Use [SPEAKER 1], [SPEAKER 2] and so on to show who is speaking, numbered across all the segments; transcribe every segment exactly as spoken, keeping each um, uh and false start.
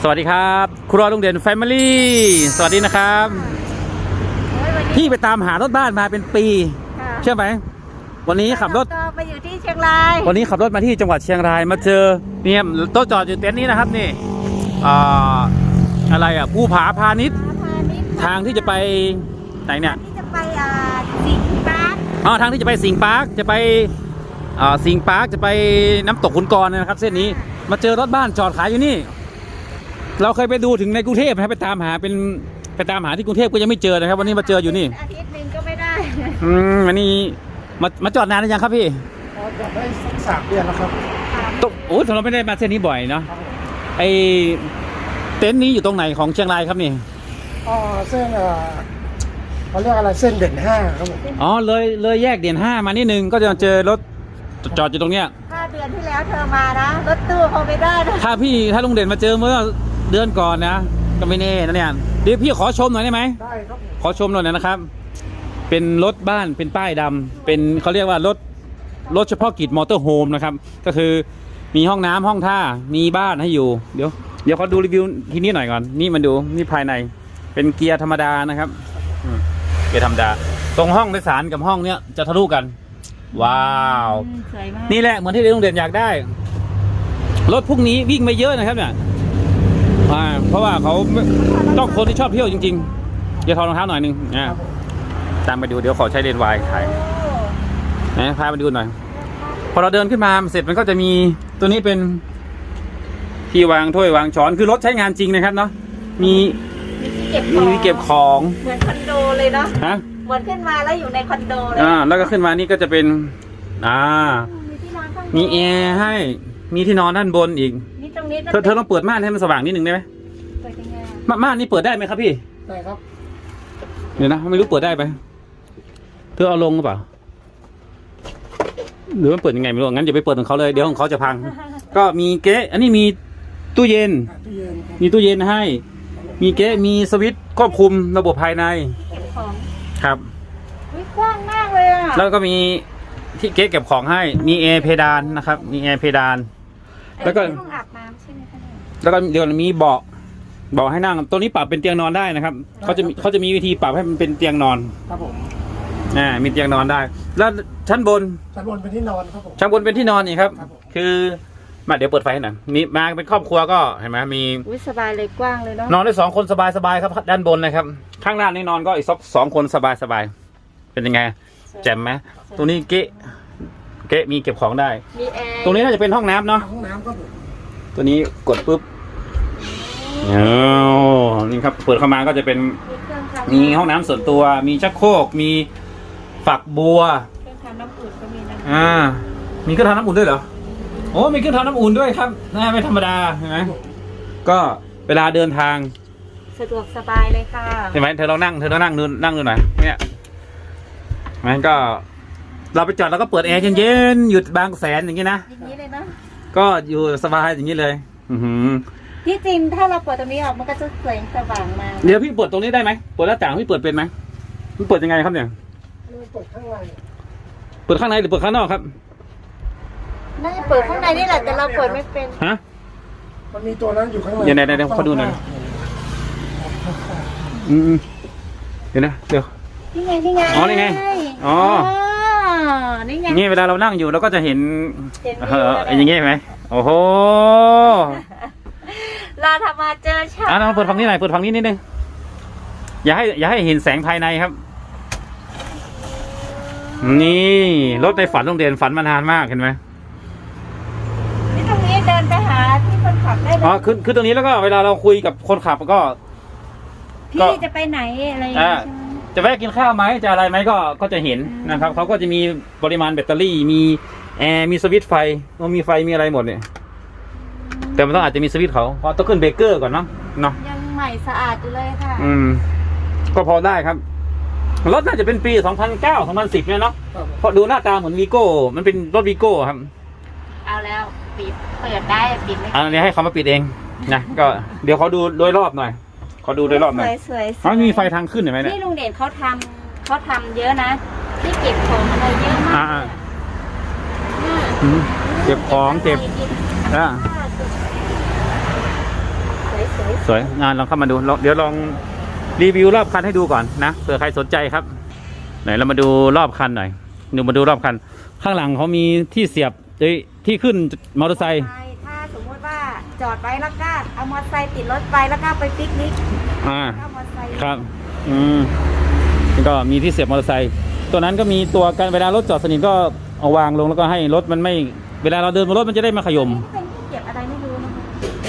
[SPEAKER 1] สวัสดีครับครัวลุงเด่นแฟมิลี่สวัสดีนะครับพี่ไปตามหารถบ้านมาเป็นปีเชื่อไหมวันนี้ขับรถ
[SPEAKER 2] ไปอยู่ที่เชียงราย
[SPEAKER 1] วันนี้ขับรถมาที่จังหวัดเชียงรายมาเจอเนี่ยโต๊ะจอดอยู่เต็นท์นี้นะครับนี่อ่าอะไรอ่ะภูผาพาณิชย์ทางที่จะไปไหนเนี่ย
[SPEAKER 2] ที่จะไปอ่าสิงห์ปาร์ค
[SPEAKER 1] อ๋อทางที่จะไปสิงห์ปาร์คจะไปอ่าสิงห์ปาร์คจะไปน้ำตกขุนกรนะครับเส้นนี้มาเจอรถบ้านจอดขายอยู่นี่เราเคยไปดูถึงในกรุงเทพนะครับไปตามหาเป็นไปตามหาที่กรุงเทพก็ยังไม่เจอนะครับวันนี้มาเจออยู่นี่
[SPEAKER 2] อาทิตย์หนึ่งก็ไม่ได้
[SPEAKER 1] อืมวันนี้มามาจอดนานหรือยังครับพี่
[SPEAKER 3] จอดได้สักสามเดือนแล้วครับ
[SPEAKER 1] ตโอ้เราไม่ได้มาเส้นนี้บ่อยเนาะไอเต็นท์นี้อยู่ตรงไหนของเชียงรายครับนี่
[SPEAKER 3] อ๋อเส้นเอ่อเขาเรียกอะไรเส้นเด่นห้าครับผม
[SPEAKER 1] อ๋อเลยเลยแยกเด่นห้ามานิดนึงก็จะเจอรถจอดอยู่ตรงเนี้ย
[SPEAKER 2] ห้าเดือนที่แล้วเธอมานะรถตู้เขาไม่ได้นะ
[SPEAKER 1] ถ้าพี่ถ้าลุงเด่นมาเจอเมื่อเดือนก่อนนะก็ไม่แน่นะเนี่ยเดี๋ยวพี่ขอชมหน่อยได้ไหม
[SPEAKER 3] ได้ครับ
[SPEAKER 1] ขอชมหน่อยนะครับเป็นรถบ้านเป็นป้ายดำเป็นเขาเรียกว่ารถรถเฉพาะกิจมอเตอร์โฮมนะครับก็คือมีห้องน้ำห้องท่ามีบ้านให้อยู่เดี๋ยวเดี๋ยวเขาดูรีวิวที่นี่หน่อยก่อนนี่มาดูนี่ภายในเป็นเกียร์ธรรมดานะครับเกียร์ธรรมดาตรงห้องโดยสารกับห้องเนี้ยจะทะลุกันว้าวนี่แหละเหมือนที่ลุงเด่นอยากได้รถพวกนี้วิ่งไม่เยอะนะครับเนี่ยเพราะว่าเขาต้องคนที่ชอบเที่ยวจริงๆอย่าถอดรองเท้าหน่อยนึงนะตามไปดูเดี๋ยวขอใช้เลนส์วายถ่ายนะพาไปดูหน่อยพอเราเดินขึ้นมาเสร็จมันก็จะมีตัวนี้เป็นที่วางถ้วยวางช้อนคือรถใช้งานจริงนะครับเนาะมีมีเก็บของ
[SPEAKER 2] เหมือนคอนโดเลยเนาะ
[SPEAKER 1] ฮะ
[SPEAKER 2] เหมือนขึ้นมาแล้วอยู่ในคอนโดเลย
[SPEAKER 1] อ่าแล้วก็ขึ้นมานี่ก็จะเป็นอ่ามีแอร์ให้มีที่นอนด้านบนอีกเธอเธอต้องเปิดม่านให้มันสว่างนิดนึงได้ไหม
[SPEAKER 2] เปิดยังไง
[SPEAKER 1] ม่านนี่เปิดได้ไหมครับพี่
[SPEAKER 3] ได้ครับ
[SPEAKER 1] เดี๋ยวนะไม่รู้เปิดได้ไหมเธอเอาลงหรือเปล่าหรือมันเปิดยังไงไม่รู้งั้นอย่าไปเปิดของเขาเลยเดี๋ยวของเขาจะพังก็มีเก๊ะอันนี้มีตู้เย็นมีตู้เย็นให้มีเก๊ะมีสวิตช์ควบคุมระบบภายในครับ
[SPEAKER 2] กว้างมากเลยอ่ะ
[SPEAKER 1] แล้วก็มีที่เก๊ะเก็บของให้มีแอร์เพดานนะครับมีแอร์เพดานแล้วก็
[SPEAKER 2] ห้องอาบน้ำใช่ไหมคะ
[SPEAKER 1] แล้วก็เดี๋ยวมีเบาะเบาะให้นั่งตัวนี้ปรับเป็นเตียงนอนได้นะครับเขาจะเขาจะมีวิธีปรับให้มันเป็นเตียงนอน
[SPEAKER 3] ครับผม
[SPEAKER 1] อ่ามีเตียงนอนได้แล้วชั้นบน
[SPEAKER 3] ชั้นบนเป็นที่นอนครับผม
[SPEAKER 1] ชั้นบนเป็นที่นอนอีกครับคือมาเดี๋ยวเปิดไฟหน่อยนี่มาเป็นครอบครัวก็เห็นไหมมี
[SPEAKER 2] สบายเลยกว้างเลยเนาะ
[SPEAKER 1] นอนได้สองคนสบายสบายครับด้านบนนะครับข้างล่างนี่นอนก็อีกสักสองคนสบายสบายเป็นยังไงแจ่มไหมตรงนี้เก๊ะเก๊ะมีเก็บของได้ตรงนี้น่าจะเป็นห้องน้ำเนาะ
[SPEAKER 3] ห้องน้ำครับผม
[SPEAKER 1] ตัวนี้กดปุ๊บโอ้นี่ครับเปิดเข้ามาก็จะเป็นมีห้องน้ำส่วนตัวมีชักโครกมีฝักบัว
[SPEAKER 2] เครื่องทำน้ำอุ่นก็มีนะ
[SPEAKER 1] อ่ามีเครื่องทำน้ำอุ่นด้วยเหรอโอ้มีเครื่องทำน้ำอุ่นด้วยครับน่าไม่ธรรมดาใช่ไหมก็เวลาเดินทาง
[SPEAKER 2] สะดวกสบายเลยค่ะ
[SPEAKER 1] ใช่ไหมเธอลองนั่งเธอลองนั่งดูนั่งดูหน่อยเนี่ยมันก็เราไปจอดแล้วก็เปิดแอร์เย็นๆหยุดบางแสนอย่างนี้นะ
[SPEAKER 2] อย่างนี้เลยนะ
[SPEAKER 1] ก็อยู่สบายอย่างนี้เลยอือ
[SPEAKER 2] ที่จริงถ้าเราเปิดตรงนี้ออกมันก็จะแสงสว่างมา
[SPEAKER 1] เดี๋ยวพี่เปิดตรงนี้ได้ไหมเปิดหน้าต่างพี่เปิดเป็นไหมพี่เปิดยังไงครับเนี่ย
[SPEAKER 3] เปิดข้างใน
[SPEAKER 1] เปิดข้างในหรือเปิดข้างนอกครับ
[SPEAKER 2] น่าจะเปิดข้างในนี่แหละแต่เราเปิดไม่เป็น
[SPEAKER 1] ฮะ
[SPEAKER 3] มันมีตัวนั้นอยู่ข้างใน
[SPEAKER 1] เดี๋ยวเดี๋ยวเดี๋ยวเขาดูหน่อยอืมเดี๋ยวนะเดี๋ยว
[SPEAKER 2] นี่ไงนี่ไง
[SPEAKER 1] อ๋อนี่ไงอ๋อ
[SPEAKER 2] นี่ไง
[SPEAKER 1] นี่เวลาเรานั่งอยู่เราก็จะเห็นเอออย่างงี้ไหมโอ้โห
[SPEAKER 2] เราทำมาเจอชา
[SPEAKER 1] อ่ะเราเปิดฝั่งนี้หน่อยเปิดฝั่งนี้นิดนึงอย่าให้อย่าให้เห็นแสงภายในครับนี่รถในฝันโรงเรียนฝันมานานมากเห็นไหม
[SPEAKER 2] นี่ตรงนี้เดินไปหาที่คนขับได้เลย
[SPEAKER 1] อ๋อคือคือตรงนี้แล้วก็เวลาเราคุยกับคนขับก็
[SPEAKER 2] พี่จะไปไหนอะไรอย่างเงี้ย
[SPEAKER 1] จะแวะกินข้าวไหมจะอะไรไหมก็ก็จะเห็นนะครับเขาก็จะมีปริมาณแบตเตอรี่มีแอร์มีสวิตช์ไฟมีไฟมีอะไรหมดเนี่ยแต่มันต้องอาจจะมีสวิตช์เขาเพราะต้องขึ้นเบรกเกอร์ก่อนเนาะเนาะ
[SPEAKER 2] ยังใหม่สะอาดอยู่เลยค่ะ
[SPEAKER 1] อืมก็พอได้ครับรถน่าจะเป็นปีสองพันเก้า สองพันสิบเนี่ยเนาะเพราะดูหน้าตาเหมือนวีโก้มันเป็นรถวีโก้ครับ
[SPEAKER 2] เอาแล้วปิดเปิดได้ปิดไม่
[SPEAKER 1] อันนี้ให้เขามาปิดเองนะก็เดี๋ยวเขาดูโดยรอบหน่อยเขาดูโดยรอบหน่อย
[SPEAKER 2] สวย
[SPEAKER 1] ๆมันมีไฟทางขึ้นเห็นไหมเนี่ย
[SPEAKER 2] นี่ลุงเด่นเขาทำเขาทำเยอะนะที่เก็บของอะไรเยอะมาก
[SPEAKER 1] เก็บของเก็บอ่า
[SPEAKER 2] สวย
[SPEAKER 1] สวยงานลองเข้ามาดูลองเดี๋ยวลองรีวิวรอบคันให้ดูก่อนนะเผื่อใครสนใจครับไหนเรามาดูรอบคันหน่อยดูมาดูรอบคันข้างหลังเขามีที่เสียบเอ้ยที่ขึ้นมอเตอร์ไซค์
[SPEAKER 2] ถ้าสมมติว่าจอดไว้แล้วก็เอามอเตอร์ไซค์ติดรถไปแล้วก็ไปปิกนิก
[SPEAKER 1] อ่า
[SPEAKER 2] ก็มอเตอร์ไซค์
[SPEAKER 1] ครับอืมก็มีที่เสียบมอเตอร์ไซค์ตัวนั้นก็มีตัวกันเวลารถจอดสนิทก็เอาวางลงแล้วก็ให้รถมันไม่เวลาเราเดินบนรถมันจะได้ไมาขยม
[SPEAKER 2] นี่เป็นที่เก็บอะไรไม่รู้นะคะ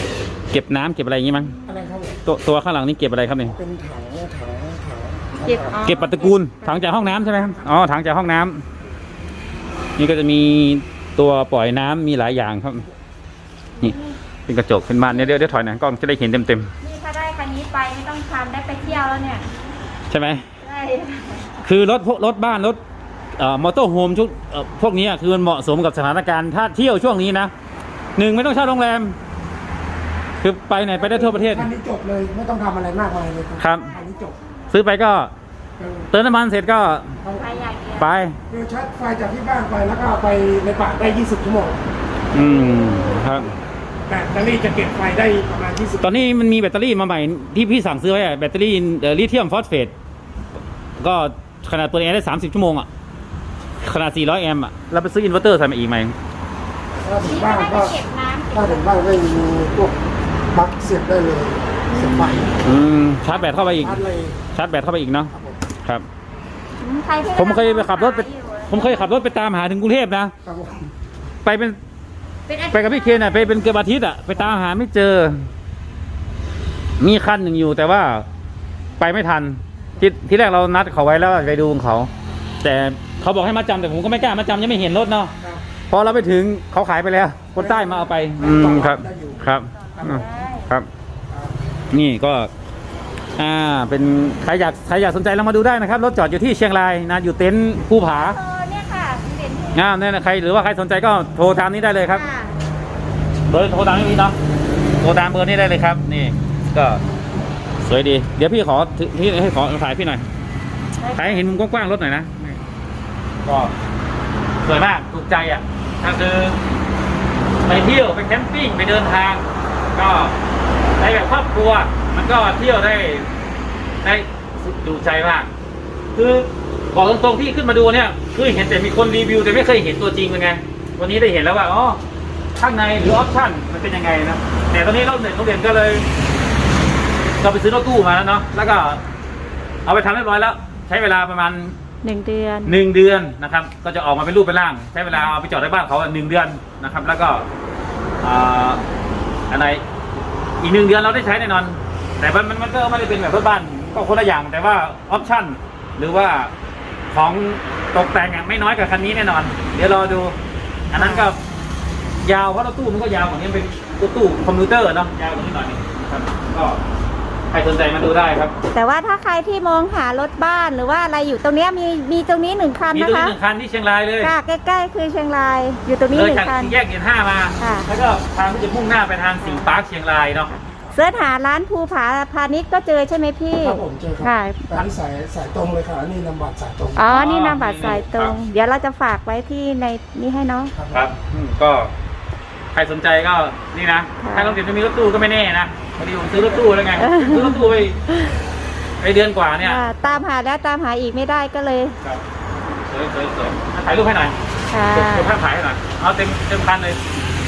[SPEAKER 1] เก็บน้ำเก็บอะไรอย่างงี้มั้ง
[SPEAKER 3] อะไรครับผม
[SPEAKER 1] ตัวตัวข้างหลังนี่เก็บอะไรครับเนี่ย
[SPEAKER 3] เป็นถังถังถัง
[SPEAKER 2] เก็บอ๋อ
[SPEAKER 1] เก็บปัตตกูลถังจากห้องน้ำใช่ไหมครับอ๋อถังจากห้องน้ำนี่ก็จะมีตัวปล่อยน้ำมีหลายอย่างครับนี่เป็นกระจกเป็นม่านเนี่ยเดี๋ยวเดี๋ยวถอยหน่อยกล้องจะได้เห็นเต็มเต็ม
[SPEAKER 2] นี่ถ้าได้คันนี้ไปไม่ต้องทำได้ไปเที่ยวแล้วเนี่ย
[SPEAKER 1] ๆใช่ไหม
[SPEAKER 2] ใช่
[SPEAKER 1] คือรถพวกรถบ้านรถเอ่อมอเตอร์โฮมชุดเอ่อพวกนี้คือมันเหมาะสมกับสถานการณ์ถ้าเที่ยวช่วงนี้นะหนึ่งไม่ต้องเช่าโรงแรม คือไปไหนไปได้ทั่วประเทศ
[SPEAKER 3] คันนี้จบเลยไม่ต้องทำอะไรมากมายเลย
[SPEAKER 1] ครับ
[SPEAKER 3] คันนี้จบ
[SPEAKER 1] ซื้อไปก็
[SPEAKER 3] เออ
[SPEAKER 1] เติมน้ำมันเสร็จก็
[SPEAKER 3] เอา
[SPEAKER 2] ใครอยากเที่ยว
[SPEAKER 1] ไป
[SPEAKER 3] คือชาร์จไฟจากที่บ้านไปแล้วก็เอาไปในป่าได้ยี่สิบชั่วโมง
[SPEAKER 1] อืมครับ
[SPEAKER 3] แบตเตอรี่จะเก็บไฟได้ประมาณยี่สิบ
[SPEAKER 1] ตอนนี้มันมีแบตเตอรี่มาใหม่ที่พี่สั่งซื้อไว้อะแบตเตอรี่เอ่อลิเธียมฟอสเฟตก็ขนาดเปิดแอร์ได้สามสิบชั่วโมงอ่ะขนาดสี่ร้อยแอมป์อ่ะแล้วไปซื้ออินเวอร์เตอร์ใส่มาอีกไหม
[SPEAKER 3] ถ้าถึง
[SPEAKER 2] นี่
[SPEAKER 3] บ้า
[SPEAKER 2] ก็
[SPEAKER 3] น
[SPEAKER 2] ได้
[SPEAKER 3] ก็
[SPEAKER 2] ไปเก็บน้ำเก็บ
[SPEAKER 3] ถ้าถึงบ้านก็มีพวกปลั๊กเสียบได้เลยเสียบไฟ
[SPEAKER 1] อืมชาร์จแบตเข้าไปอีก
[SPEAKER 3] ชาร์จเลย
[SPEAKER 1] ชาร์จแบตเข้าไปอีกเนาะ
[SPEAKER 3] ครับผม
[SPEAKER 1] ครับ
[SPEAKER 2] อืมใครที่
[SPEAKER 1] ผมเคยไปขับรถไป
[SPEAKER 2] ขายอยู่
[SPEAKER 1] ผมเคยขับรถไปตามหาถึงกรุงเทพนะครับ
[SPEAKER 3] ผม
[SPEAKER 1] ไปเป็น
[SPEAKER 2] เป็นอาทิตย์
[SPEAKER 1] ไปกับพี่เคนอ่ะไปเป็นเกือบอาทิตย์อ่ะไปตามหาไม่เจอ มีคันหนึ่งอยู่แต่ว่าไปไม่ทันที่ที่แรกเรานัดเขาไว้แล้วไปดูของเขา แต่เขาบอกให้มาจำแต่ผมก็ไม่กล้ามาจำยังไม่เห็นรถเนาะ
[SPEAKER 3] ครับ
[SPEAKER 1] พอเราไปถึงเขาขายไปแล้วคนใต้มาเอาไปอืมครับครับอืมครับ นี่ก็ อ่าเป็นใครอยากใครอยากสนใจเรามาดูได้นะครับรถจอดอยู่ที่เชียงรายนะอยู่เต็นท์ภูผา
[SPEAKER 2] เออเนี่ยค่ะเด่นที่
[SPEAKER 1] งามเนี่ยนะใครหรือว่าใครสนใจก็โทรตามนี้ได้เลยครับ
[SPEAKER 2] ค่ะ
[SPEAKER 1] เบอร์โทรตามนี้เนาะโทรตามเบอร์นี้ได้เลยครับ นี่ก็สวยดี เดี๋ยวพี่ขอถือพี่ให้ขอถ่ายพี่หน่อยถ่ายให้เห็นมุมกว้างๆรถหน่อยนะก็สวยมากถูกใจอ่ะก็คือไปเที่ยวไปแคมปิ้งไปเดินทาง ก็ในแบบครอบครัวมันก็เที่ยวได้ได้ดูใจมาก คือบอกตรงๆที่ขึ้นมาดูเนี่ยคือเห็นแต่มีคนรีวิวแต่ไม่เคยเห็นตัวจริงเป็นไงวันนี้ได้เห็นแล้วว่าอ๋อข้างในหรือออปชั่นมันเป็นยังไงนะแต่ตอนนี้เราเด็กเราเรียนก็เลยเราไปซื้อรถตู้มาแล้วเนาะแล้วก็เอาไปทำเรียบร้อยแล้ว ใช้เวลาประมาณ
[SPEAKER 2] หนึ่งเดือน
[SPEAKER 1] หนึ่งเดือนนะครับ ก็จะออกมาเป็นรูปเป็นร่าง ใช้เวลาเอาไปจอดในบ้านเขาหนึ่งเดือนนะครับ แล้วก็อ่าอะไรอีกหนึ่งเดือนเราได้ใช้แน่นอน แต่มันมันมันก็ไม่ได้เป็นแบบรถบ้านก็คนละอย่างแต่ว่าออปชั่นหรือว่าของตกแต่งอะไม่น้อยกว่าคันนี้แน่นอน เดี๋ยวรอดู อันนั้นก็ยาวเพราะรถตู้มันก็ยาวกว่านี้เป็นรถตู้คอมพิวเตอร์เนาะยาวกว่านี้หน่อยนึงนะครับก็ใครสนใจมาดูได้ครับ
[SPEAKER 2] แต่ว่าถ้าใครที่มองหารถบ้านหรือว่าอะไรอยู่ตรงเนี้ยมีมีตรงนี้หนึ่งคัน
[SPEAKER 1] มี
[SPEAKER 2] นะ
[SPEAKER 1] ตัวนี้
[SPEAKER 2] คะ
[SPEAKER 1] หนึ่งคันที่เชียงรายเลย
[SPEAKER 2] ค่ะใกล้ๆคือเชียงราย อยู่ตรงนี้
[SPEAKER 1] เล
[SPEAKER 2] ห
[SPEAKER 1] ย
[SPEAKER 2] นึ่ง
[SPEAKER 1] จาก
[SPEAKER 2] คัน
[SPEAKER 1] สี่แยกเกียรห้ามา
[SPEAKER 2] ค่ะ
[SPEAKER 1] แล้วก็ทางที่จะมุ่งหน้าไปทางสิงห์ปาร์คเชียงรายเนาะ
[SPEAKER 2] เสิร์ชหาร้านภูผาพาณิชย์ก็เจอใช่ไหมพี่
[SPEAKER 3] ครับผมเจอครั
[SPEAKER 2] ค่ะ
[SPEAKER 3] แต่นี่สายสายตรงเลยค่ะนี่นำบัตรสายตรง
[SPEAKER 2] อ๋อ นี่นามบัตรสายตรง เดี๋ยวเราจะฝากไว้ที่ในนี้ให้เนาะ
[SPEAKER 1] ครับอืมก็ใครสนใจก็นี่นะ
[SPEAKER 2] ค่ะ
[SPEAKER 1] ถ้าเราเดี๋ยวจะมีรถตู้ก็ไม่แน่นะพอดีผมซื้อรถตู้แล้วไงซื้อรถตู้ไปไปเดือนกว่าเนี่ย
[SPEAKER 2] อ่าตามหาแล้วตามหาอีกไม่ได้ก็เลย
[SPEAKER 1] ครับสวยสวยสวยถ่ายรูปให้หน่อย
[SPEAKER 2] ค่ะ
[SPEAKER 1] กดกดภาพถ่ายให้หน่อยเอาเต็มเต็มคันเลย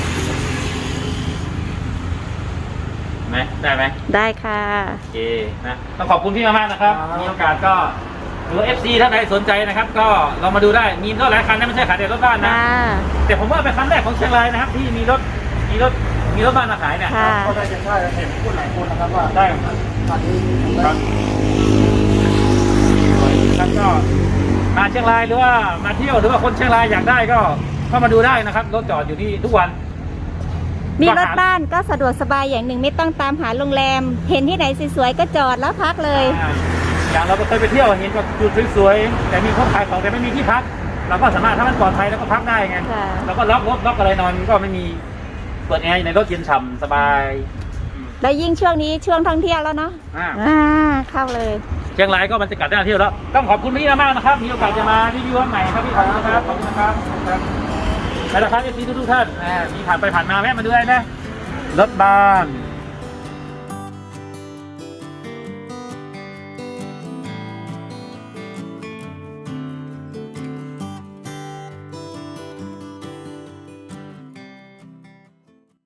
[SPEAKER 1] เห็นไหมได้ไหม
[SPEAKER 2] ได้ค่ะ
[SPEAKER 1] โอเคนะต้องขอบคุณพี่มากๆนะครับ มีโอกาสก็หรือ เอฟ ซี ท่านใดสนใจนะครับ ก็ลองมาดูได้มีรถหลายคันนะไม่ใช่ขายแต่รถบ้านนะ
[SPEAKER 2] ค่ะ
[SPEAKER 1] แต่ผมว่าเป็นคันแรกของเชียงรายนะครับ ที่มีรถมีรถมีรถบ้านมาขายเนี่ย
[SPEAKER 2] ค่ะ
[SPEAKER 3] ก็ได้จะใช่เห็นพูดหลายคนนะครับว่า
[SPEAKER 1] ได้
[SPEAKER 3] คันนี้
[SPEAKER 1] ครับครับก็มาเชียงรายหรือว่ามาเที่ยวหรือว่าคนเชียงรายอยากได้ก็เข้ามาดูได้นะครับรถจอดอยู่ที่ทุกวัน
[SPEAKER 2] มีรถบ้านก็สะดวกสบายอย่างหนึ่งไม่ต้องตามหาโรงแรม เห็นที่ไหนสวยๆก็จอดแล้วพักเลย
[SPEAKER 1] อ่าอย่างเราก็เคยไปเที่ยวเห็นแบบจุดสวยๆแต่มีคนขายของแต่ไม่มีที่พัก เราก็สามารถถ้ามันปลอดภัยแล้วก็พักได้ไง
[SPEAKER 2] ค่ะ
[SPEAKER 1] เราก็ล็อกรถล็อกอะไรนอนก็ไม่มีเปิดแอร์ในรถเย็นฉ่ำสบายอืม
[SPEAKER 2] แล้วยิ่งช่วงนี้ช่วงท่องเที่ยวแล้วเนาะ
[SPEAKER 1] อ่า
[SPEAKER 2] อ่าเข้าเลย
[SPEAKER 1] เชียงรายก็บรรยากาศน่าเที่ยวแล้วต้องขอบคุณพี่มากๆนะครับ มีโอกาสจะมารีวิววันใหม่ครับพี่ขอบคุณนะครับขอบคุณนะครับขอบคุณครับแล้วนะครับเอฟซีทุกๆท่านอ่ามีผ่านไปผ่านมาแวะมาดูได้นะรถบ้าน